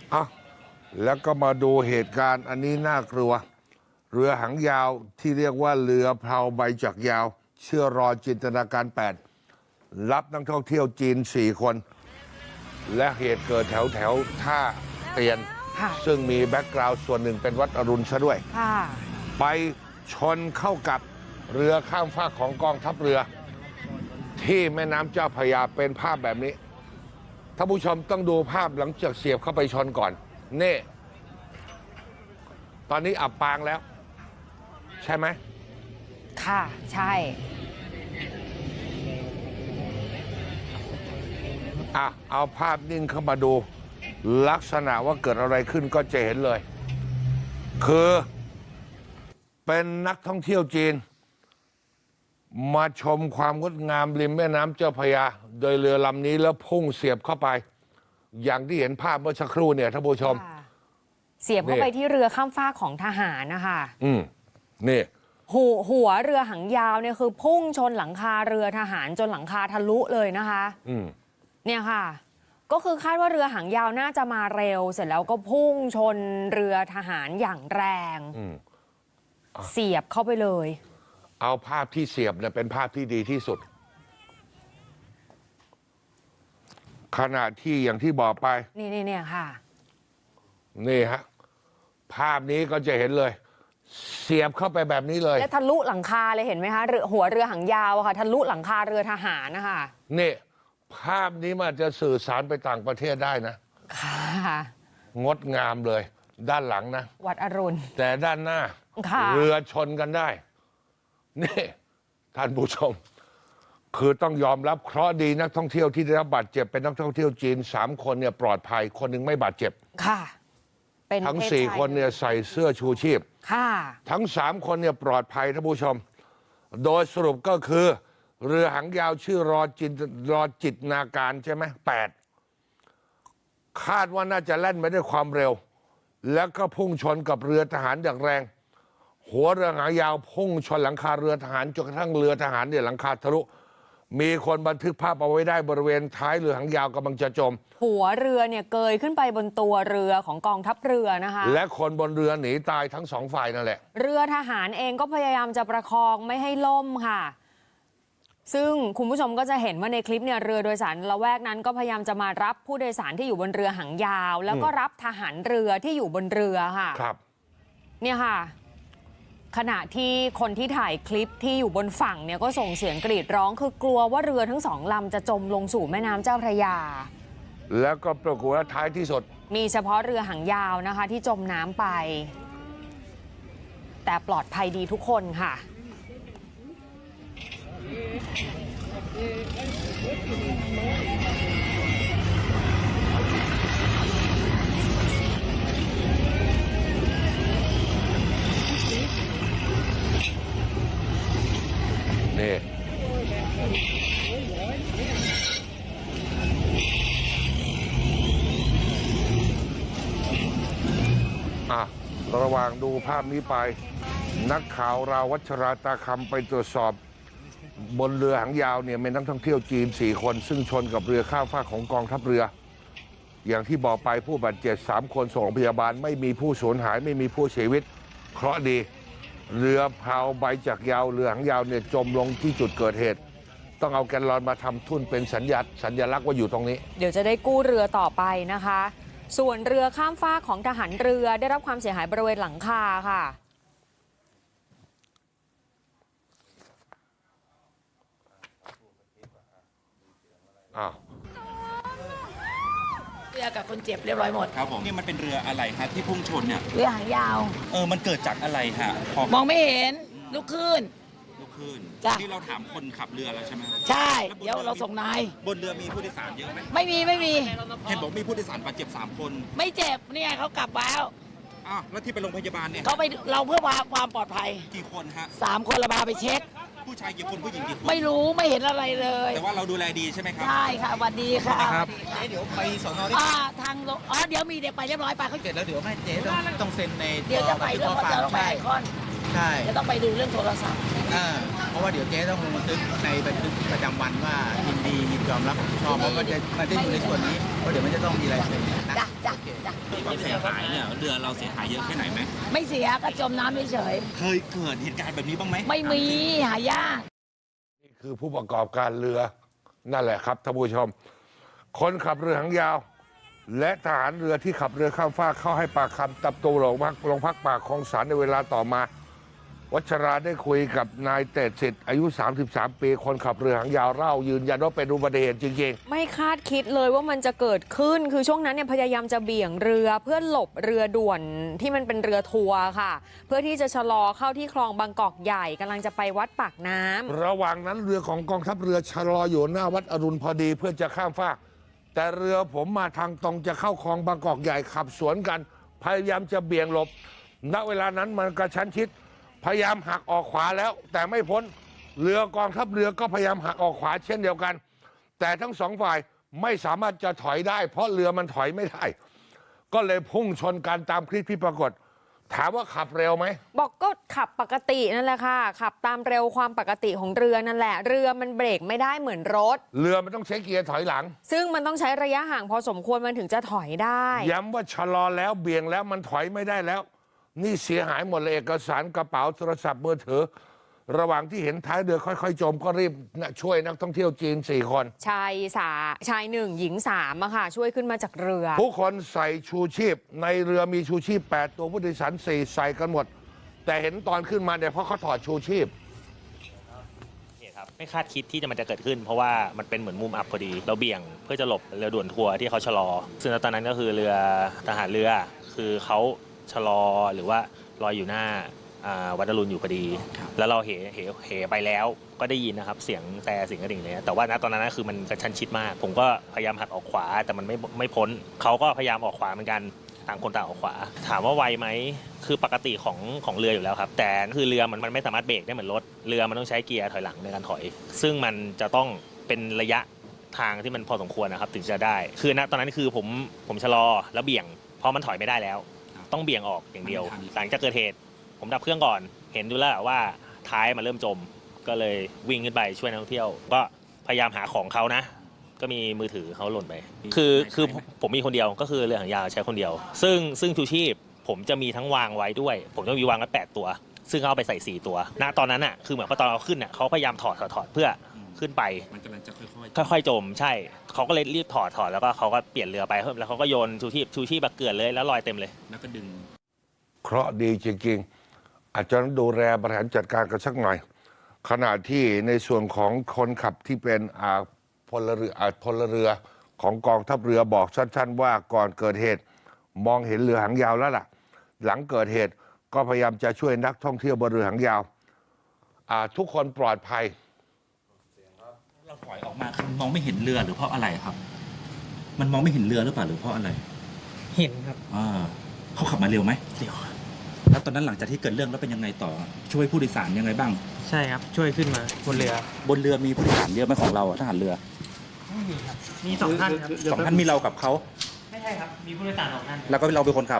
อ่ะแล้วก็มาดูเหตุการณ์อันนี้น่ากลัวเรือหางยาวที่เรียกว่าเรือเพลาใบจักรยาวเชื่อรอจินตนาการ8รับนักท่องเที่ยวจีน4คนและเหตุเกิดแถวท่าเตียนซึ่งมีแบ็กกราวด์ส่วนหนึ่งเป็นวัดอรุณซะด้วยไปชนเข้ากับเรือข้ามฟากของกองทัพเรือที่แม่น้ำเจ้าพระยาเป็นภาพแบบนี้ท่านผู้ชมต้องดูภาพหลังจากเสียบเข้าไปชนก่อนนี่ตอนนี้อับปางแล้วใช่ไหมค่ะใช่เอาภาพนิ่งเข้ามาดูลักษณะว่าเกิดอะไรขึ้นก็จะเห็นเลยคือเป็นนักท่องเที่ยวจีนมาชมความงดงามริมแม่น้ำเจ้าพระยาโดยเรือลำนี้แล้วพุ่งเสียบเข้าไปอย่างที่เห็นภาพเมื่อสักครู่เนี่ยท่านผู้ชมเสียบเข้าไปที่เรือข้ามฟากของทหารนะคะนี่หัวเรือหางยาวเนี่ยคือพุ่งชนหลังคาเรือทหารจนหลังคาทะลุเลยนะคะเนี่ยค่ะก็คือคาดว่าเรือหางยาวน่าจะมาเร็วเสร็จแล้วก็พุ่งชนเรือทหารอย่างแรงเสียบเข้าไปเลยเอาภาพที่เสียบเนี่ยเป็นภาพที่ดีที่สุดขณะที่อย่างที่บอกไปนี่ค่ะนี่ฮะภาพนี้ก็จะเห็นเลยเสียบเข้าไปแบบนี้เลยและทะลุหลังคาเลยเห็นไหมคะหัวเรือหางยาวค่ะทะลุหลังคาเรือทหารนะคะนี่ภาพนี้มันจะสื่อสารไปต่างประเทศได้นะค่ะงดงามเลยด้านหลังนะวัดอรุณแต่ด้านหน้าเรือชนกันได้นี่ท่านผู้ชมคือต้องยอมรับเคราะห์ดีนักท่องเที่ยวที่ได้รับบาดเจ็บเป็นนักท่องเที่ยวจีน3 คนเนี่ยปลอดภัยคนหนึ่งไม่บาดเจ็บค่ะเป็นทั้ง4 คนเนี่ยใส่เสื้อชูชีพค่ะทั้ง3 คนเนี่ยปลอดภัยท่านผู้ชมโดยสรุปก็คือเรือหางยาวชื่อรอจิตนาการใช่ไหม8คาดว่าน่าจะแล่นไปด้วยความเร็วแล้วก็พุ่งชนกับเรือทหารอย่างแรงหัวเรือหางยาวพุ่งชนหลังคาเรือทหารจนกระทั่งเรือทหารเนี่ยหลังคาทะลุมีคนบันทึกภาพเอาไว้ได้บริเวณท้ายเรือหางยาวกำลังจะจมหัวเรือเนี่ยเกยขึ้นไปบนตัวเรือของกองทัพเรือนะคะและคนบนเรือหนีตายทั้ง2 ฝ่ายนั่นแหละเรือทหารเองก็พยายามจะประคองไม่ให้ล่มค่ะซึ่งคุณผู้ชมก็จะเห็นว่าในคลิปเนี่ยเรือโดยสารละแวกนั้นก็พยายามจะมารับผู้โดยสารที่อยู่บนเรือหางยาวแล้วก็รับทหารเรือที่อยู่บนเรือค่ะครับเนี่ยค่ะขณะที่คนที่ถ่ายคลิปที่อยู่บนฝั่งเนี่ยก็ส่งเสียงกรีดร้องคือกลัวว่าเรือทั้ง2 ลำจะจมลงสู่แม่น้ำเจ้าพระยาแล้วก็ปรากฏว่าท้ายที่สุดมีเฉพาะเรือหางยาวนะคะที่จมน้ำไปแต่ปลอดภัยดีทุกคนค่ะนี่ระหว่างดูภาพนี้ไปนักข่าวเราวัชราตาคำไปตรวจสอบบนเรือหางยาวเนี่ยมีนักท่องเที่ยวจีน4 คนซึ่งชนกับเรือข้ามฟากของกองทัพเรืออย่างที่บอกไปผู้บาดเจ็บ3 คนส่งโรงพยาบาลไม่มีผู้สูญหายไม่มีผู้เสียชีวิตเคราะห์ดีเรือเพลาใบจักรยาวเรือหางยาวเนี่ยจมลงที่จุดเกิดเหตุต้องเอาแกนลอนมาทำทุ่นเป็นสัญลักษณ์ว่าอยู่ตรงนี้เดี๋ยวจะได้กู้เรือต่อไปนะคะส่วนเรือข้ามฟากของทหารเรือได้รับความเสียหายบริเวณหลังคาค่ะเรือกับคนเจ็บเรียบร้อยหมดครับผมนี่มันเป็นเรืออะไรฮะที่พุ่งชนเนี่ยเรือหางยาวมันเกิดจากอะไรฮะมองไม่เห็นลูกคลื่นที่เราถามคนขับเรือแล้วใช่ไหมใช่เดี๋ยวเราส่งนายบนเรือมีผู้โดยสารเยอะไหมไม่มีเห็นบอกมีผู้โดยสารบาดเจ็บ3 คนไม่เจ็บนี่ไงเขากลับแล้วแล้วที่ไปโรงพยาบาลเนี่ยเขาไปเราเพื่อความปลอดภัยกี่คนฮะ 3 คนเราพาไปเช็คผู้ชายกี่คนผู้หญิงกี่คนไม่รู้ไม่เห็นอะไรเลยแต่ว่าเราดูแลดีใช่ไหมครับใช่ค่ะสวัสดีค่ะครับเดี๋ยวไปสน. ทางเดี๋ยวมีเด็กไปเรียบร้อยไปเขาเสร็จแล้วเดี๋ยวแม่เจ๊ต้องเซ็นในเดี๋ยวจะไปเรื่องจะไปไอคอนใช่จะต้องไปดูเรื่องโทรศัพท์เพราะว่าเดี๋ยวเจ๊ต้องลงบันทึกในบันทึกประจำวันว่ายินดียินยอมรับผิดชอบเพราะมันจะอยู่ในส่วนนี้เพราะเดี๋ยวมันจะต้องมีลายเซ็นนะจ้ะความเสียหายเนี่ยเรือเราเสียหายเยอะแค่ไหนไหมไม่เสียก็จมน้ำเฉยเคยเกิดเหตุการณ์แบบนี้บ้างไหมๆไม่มีหายากนี่คือผู้ประกอบการเรือนั่นแหละครับท่านผู้ชม คนขับเรือหางยาว และทหารเรือที่ขับเรือข้ามฟากเข้าให้ปากคำตับตัวโรงพักปากคลองสารในเวลาต่อมา วัชราได้คุยกับนายเตดสิทธิ์อายุ 33 ปี คนขับเรือหางยาวเล่ายืนยันว่าเป็นอุบัติเหตุจริงไม่คาดคิดเลยว่ามันจะเกิดขึ้น คือช่วงนั้นเนี่ยพยายามจะเบี่ยงเรือเพื่อหลบเรือด่วนที่มันเป็นเรือทัวร์ค่ะ เพื่อที่จะชะลอเข้าที่คลองบางกอกใหญ่กำลังจะไปวัดปากน้ำระหว่างนั้นเรือของกองทัพเรือชะลออยู่หน้าวัดอรุณพอดีเพื่อจะข้ามฟาก แต่เรือผมมาทางตรงจะเข้าคลองบางกอกใหญ่ขับสวนกัน พยายามจะเบี่ยงหลบ ณ เวลานั้นมันกระชั้นชิด พยายามหักออกขวาแล้ว แต่ไม่พ้น เรือกองทัพเรือก็พยายามหักออกขวาเช่นเดียวกัน แต่ทั้งสองฝ่ายไม่สามารถจะถอยได้ เพราะเรือมันถอยไม่ได้ ก็เลยพุ่งชนกันตามคลิปที่ปรากฏ ถามว่าขับเร็วไหมบอกก็ขับปกตินั่นแหละค่ะ ขับตามเร็วความปกติของเรือนั่นแหละ เรือมันเบรกไม่ได้เหมือนรถเรือมันต้องใช้เกียร์ถอยหลังซึ่งมันต้องใช้ระยะห่างพอสมควรมันถึงจะถอยได้ย้ำว่าชะลอแล้วเบี่ยงแล้วมันถอยไม่ได้แล้ว นี่เสียหายหมดเลยเอกสารกระเป๋าโทรศัพท์มือถือ ระหว่างที่เห็นท้ายเรือค่อยๆจมก็รีบช่วยนักท่องเที่ยวจีน 4 คนชายหนึ่งหญิงสามอะค่ะ ช่วยขึ้นมาจากเรือทุกคนใส่ชูชีพ ในเรือมีชูชีพ 8 ตัวผู้โดยสาร4ใส่กันหมด แต่เห็นตอนขึ้นมาเนี่ยเพราะเขาถอดชูชีพครับไม่คาดคิดที่มันจะเกิดขึ้น เพราะว่ามันเป็นเหมือนมุมอับพอดี เราเบี่ยงเพื่อจะหลบเรือด่วนทัวร์ที่เขาชะลอ ซึ่งตอนนั้นก็คือเรือทหารเรือคือเขาชะลอหรือว่าลอยอยู่หน้าวัดอรุณอยู่พอดี แล้วเราเหไปแล้วก็ได้ยินนะครับเสียงแต่เสียงกระดิ่งเลยแต่ว่าณตอนนั้นคือมันกระชั้นชิดมาก ผมก็พยายามหักออกขวาแต่มันไม่พ้นเขาก็พยายามออกขวาเหมือนกันต่างคนต่างออกขวาถามว่าไวไหมคือปกติของเรืออยู่แล้วครับแต่คือเรือมันไม่สามารถเบรกได้เหมือนรถเรือมันต้องใช้เกียร์ถอยหลังในการถอย ซึ่งมันจะต้องเป็นระยะทางที่มันพอสมควรนะครับถึงจะได้คือณตอนนั้นคือผมชะลอแล้วเบี่ยงเพราะมันถอยไม่ได้แล้ว ต้องเบี่ยงออกอย่างเดียวหลังจากเกิดเหตุผมดับเครื่องก่อนเห็นดูแล้วว่าท้ายมันเริ่มจมก็เลยวิ่งขึ้นไปช่วยนักท่องเที่ยวก็พยายามหาของเขานะก็มีมือถือเขาหล่นไปคือผมมีคนเดียวก็คือเรือหางยาวใช้คนเดียวซึ่งชูชีพผมจะมีทั้งวางไว้ด้วยผมจะมีวางไว้8ตัวซึ่งเขาเอาไปใส่4ตัวณตอนนั้นอ่ะคือเหมือนพอตอนเราขึ้นอ่ะเขาพยายามถอดเพื่อขึ้นไปมันกำลังจะค่อยๆจมใช่เขาก็เลยรีบถอดแล้วก็เขาก็เปลี่ยนเรือไปแล้วเขาก็โยนชูชีพแบบเกลื่อนเลยแล้วลอยเต็มเลยแล้วก็ดึงเคราะห์ดีจริงๆอาจจะต้องดูแลบริหารจัดการกันสักหน่อย ขณะที่ในส่วนของคนขับที่เป็นพลเรือของกองทัพเรือบอกสั้นๆว่าก่อนเกิดเหตุมองเห็นเรือหางยาวแล้วล่ะ หลังเกิดเหตุก็พยายามจะช่วยนักท่องเที่ยวบนเรือหางยาวทุกคนปลอดภัยเราถอยออกมาคือมองไม่เห็นเรือหรือเพราะอะไรครับ มันมองไม่เห็นเรือหรือเปล่าหรือเพราะอะไรเห็นครับเขาขับมาเร็วไหมเร็วแล้วตอนนั้นหลังจากที่เกิดเรื่องแล้วเป็นยังไงต่อช่วยผู้โดยสารยังไงบ้างใช่ครับช่วยขึ้นมาบนเรือมีผู้โดยสารเยอะไหมของเราทหารเรือไม่มีครับมี2 ท่านครับ 2 ท่านมีเรากับเขาไม่ใช่ครับมีผู้โดยสาร2 ท่านแล้วก็เราเป็นคนขับ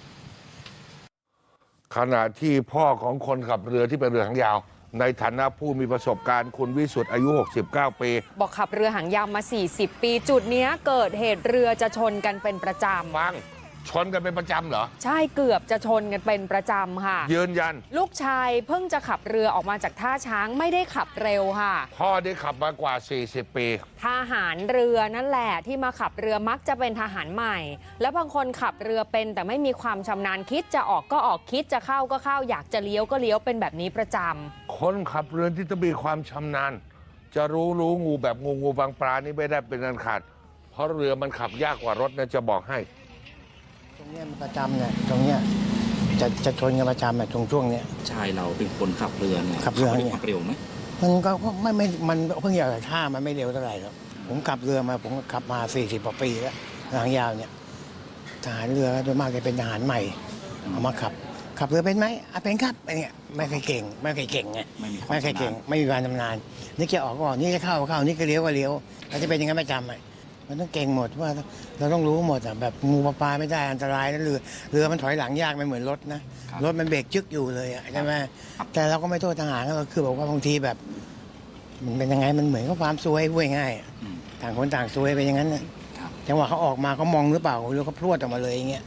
ขณะที่พ่อของคนขับเรือที่เป็นเรือหางยาวในฐานะผู้มีประสบการณ์คุณวิสุทธ์อายุ69 ปีบอกขับเรือหางยาวมา40 ปีจุดนี้เกิดเหตุเรือจะชนกันเป็นประจำฟังชนกันเป็นประจำเหรอใช่เกือบจะชนกันเป็นประจำค่ะยืนยันลูกชายเพิ่งจะขับเรือออกมาจากท่าช้างไม่ได้ขับเร็วค่ะพ่อได้ขับมากว่า40 ปีทหารเรือนั่นแหละที่มาขับเรือมักจะเป็นทหารใหม่แล้วบางคนขับเรือเป็นแต่ไม่มีความชำนาญคิดจะออกก็ออกคิดจะเข้าก็เข้าอยากจะเลี้ยวก็เลี้ยวเป็นแบบนี้ประจำคนขับเรือที่ต้องมีความชำนาญจะรู้งูแบบงูบางปลานี่ไม่ได้เป็นอันขาดเพราะเรือมันขับยากกว่ารถนะจะบอกให้ตรงนี้มันประจำเนี่ยตรงเนี้ยจะชนกันประจำเนี่ยช่วงเนี้ยชายเราเป็นคนขับเรือเนี่ยขับเรือเนี่ยเร็วไหมมันก็ไม่มันเพิ่งอย่างท่ามันไม่เร็วเท่าไหร่หรอกผมขับเรือมาผมขับมา40 กว่าปีแล้วหางยาวเนี่ยทหารเรือโดยมากจะเป็นทหารใหม่เอามาขับเรือเป็นไหมเป็นครับเนี่ยไม่เคยเก่งไงไม่เคยเก่งไม่มีความชำนาญนี่จะออกก็ออกนี่จะเข้านี่ก็เลี้ยวเราจะเป็นอย่างนั้นประจำมันต้องเก่งหมดว่าเราต้องรู้หมดแบบงูปลาไม่ได้อันตรายนะเรือมันถอยหลังยากไม่เหมือนรถนะรถมันเบรกจึ๊กอยู่เลยใช่ไหมแต่เราก็ไม่โทษทหารเราคือบอกว่าบางทีแบบมันเป็นยังไงมันเหมือนกับความซวยพูดง่ายต่างคนต่างซวยไปอย่างนั้นจังหวะเขาออกมาเขามองหรือเปล่าหรือเขาพรวดออกมาเลยอย่างเงี้ย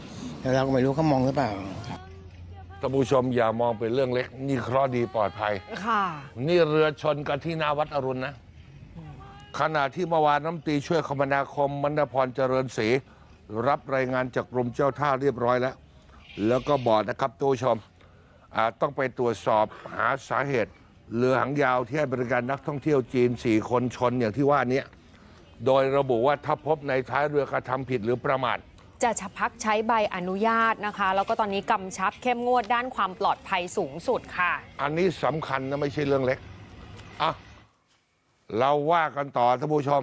แต่เราก็ไม่รู้เขามองหรือเปล่าท่านผู้ชมอย่ามองเป็นเรื่องเล็ก นี่เคราะห์ดีปลอดภัยค่ะนี่เรือชนกันที่หนาวัดอรุณนะ ขณะที่เมื่อวานน้ำตรีช่วยคมนาคมมณพรเจริญศรีรับรายงานจากกรมเจ้าท่าเรียบร้อยแล้ว แล้วก็บอกนะครับท่านผู้ชมต้องไปตรวจสอบหาสาเหตุ เรือหางยาวที่ให้บริการนักท่องเที่ยวจีน 4 คนชนอย่างที่ว่านี้โดยระบุว่าถ้าพบในท้ายเรือกระทำผิดหรือประมาทจะพักใช้ใบอนุญาตนะคะ แล้วก็ตอนนี้กำชับเข้มงวดด้านความปลอดภัยสูงสุดค่ะอันนี้สำคัญนะไม่ใช่เรื่องเล็กอ่ะเราว่ากันต่อท่านผู้ชม